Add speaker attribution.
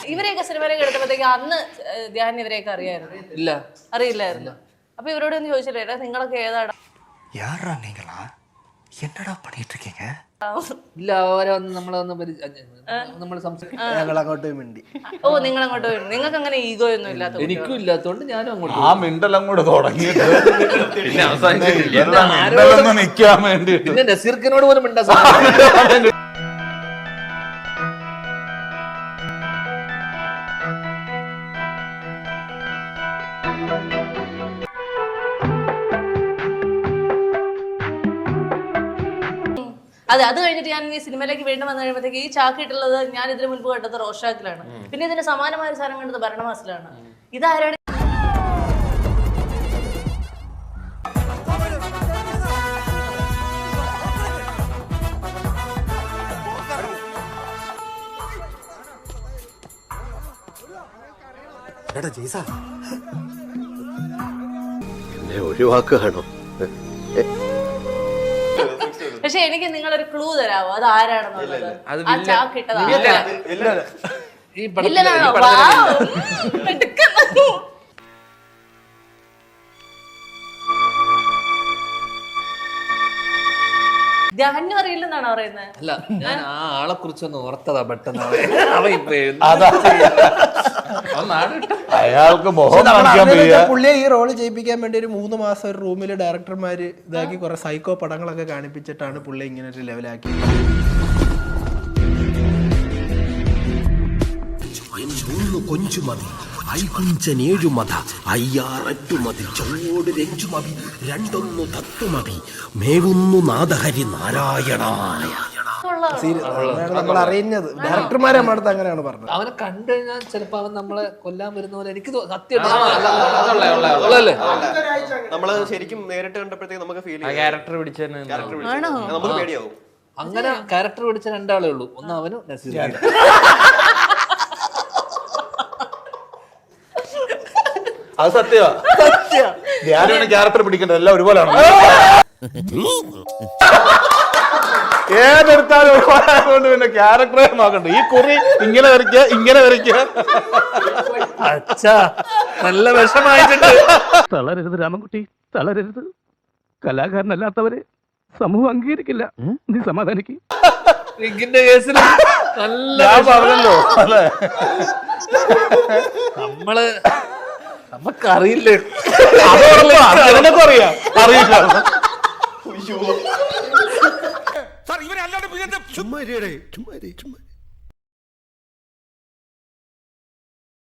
Speaker 1: ഇവരെയൊക്കെ സിനിമയിലേക്ക് എടുത്തപ്പോഴത്തേക്ക് അന്ന് ധ്യാൻ ഇവരെയൊക്കെ അറിയായിരുന്നു? അറിയില്ലായിരുന്നു. അപ്പൊ ഇവരോട് ഒന്ന് ചോദിച്ചില്ലേ നിങ്ങളൊക്കെ ഏതാടാ?
Speaker 2: என்னடா பண்ணிட்டு இருக்கீங்க?
Speaker 3: ഇല്ല അവരൊന്ന് നമ്മൾ
Speaker 4: ഞങ്ങൾ അങ്ങോട്ട് മിണ്ടി.
Speaker 1: ഓ നിങ്ങൾ അങ്ങോട്ട് വരും. നിങ്ങൾക്ക് അങ്ങനെ ഈഗോ ഒന്നും ഇല്ലാത്ത?
Speaker 3: എനിക്കും ഇല്ലാത്തോണ്ട് ഞാനും അങ്ങോട്ട്
Speaker 5: ആ മിണ്ടലും കൂടെ തുടങ്ങിയിട്ട് പിന്നെ അവസാനിച്ചിട്ടില്ല നിൽക്കാൻ വേണ്ടി.
Speaker 3: പിന്നെ നസീർക്കിനോട് പോലും മിണ്ടാ.
Speaker 1: അതെ, അത് കഴിഞ്ഞിട്ട് ഞാൻ ഈ സിനിമയിലേക്ക് വീണ്ടും വന്നു കഴിയുമ്പോഴത്തേക്ക് ഈ ചാക്കിട്ടുള്ളത് ഞാൻ ഇതിനു മുൻപ് കണ്ടത് റോഷാക്കിലാണ്. പിന്നെ ഇതിന് സമാനമായ ഒരു സാധനം കണ്ടത് ഭരണമാസിലാണ്. ഇതാരാണ്?
Speaker 4: ഒഴിവാക്കുകയാണോ?
Speaker 1: പക്ഷെ എനിക്ക് നിങ്ങളൊരു ക്ലൂ തരാമോ അത് ആരാണെന്നുള്ളത്? ആ ചാക്കിട്ടതാ ധ്യാനും അറിയില്ലെന്നാണോ പറയുന്നത്?
Speaker 3: അല്ല, ഞാൻ ആ ആളെ കുറിച്ചൊന്ന് ഓർത്തതാ പെട്ടെന്ന്.
Speaker 5: അയാൾക്ക്
Speaker 4: പുള്ളിയെ ഈ റോള് ചെയ്യിപ്പിക്കാൻ വേണ്ടി ഒരു 3 മാസം ഒരു റൂമില് ഡയറക്ടർമാര് ഇതാക്കി കുറെ സൈക്കോ പടങ്ങളൊക്കെ കാണിപ്പിച്ചിട്ടാണ് പുള്ളി ഇങ്ങനെ ഒരു ലെവലാക്കി. കൊഞ്ചുമതി ഐകുഞ്ചനേഴുമത അയ്യാററ്റുമതി ചോട് രഞ്ജുമതി രണ്ടൊന്നു തത്വമതി മേവുന്നു നാദഹരി നാരായണായ. നമ്മൾ അറിയുന്നത് ഡയറക്ടർമാരെ നമ്മുടെ അങ്ങനെയാണ് പറഞ്ഞത്.
Speaker 3: അവനെ കണ്ടു കഴിഞ്ഞാൽ ചിലപ്പോ അവൻ നമ്മളെ കൊല്ലാൻ വരുന്ന പോലെ എനിക്ക് സത്യം
Speaker 6: നമ്മള് ശരിക്കും നേരിട്ട് കണ്ടപ്പോഴത്തേക്ക് നമുക്ക് ഫീൽ
Speaker 2: ക്യാരക്ടർ പിടിച്ചെന്ന്
Speaker 6: നമുക്ക് പേടിയാവും.
Speaker 3: അങ്ങനെ ക്യാരക്ടർ പിടിച്ച രണ്ടാളേ ഉള്ളൂ. ഒന്ന് അവനും നസീർ.
Speaker 5: അത് സത്യമാ. ഞാനാണ് ക്യാരക്ടർ പിടിക്കേണ്ടത്. എല്ലാം ഒരുപോലെയാണ്. ഏതെടുത്താലും ഒരുപാടായതുകൊണ്ട് പിന്നെ ക്യാരക്ടറെ നോക്കണ്ട. ഈ കുറി ഇങ്ങനെ വരയ്ക്കുക.
Speaker 3: അച്ഛാ നല്ല വിഷമായിട്ടുണ്ട്.
Speaker 7: തളരരുത് രാമൻകുട്ടി, തളരരുത്. കലാകാരനല്ലാത്തവരെ സമൂഹം അംഗീകരിക്കില്ല. നീ സമാധാനിക്ക്.
Speaker 3: റിഗിന്റെ കേസിൽ നല്ല
Speaker 5: പറഞ്ഞല്ലോ. അതെ,
Speaker 3: നമുക്കറിയില്ലേ.
Speaker 5: അറിയില്ല.
Speaker 2: ചുമ്മാ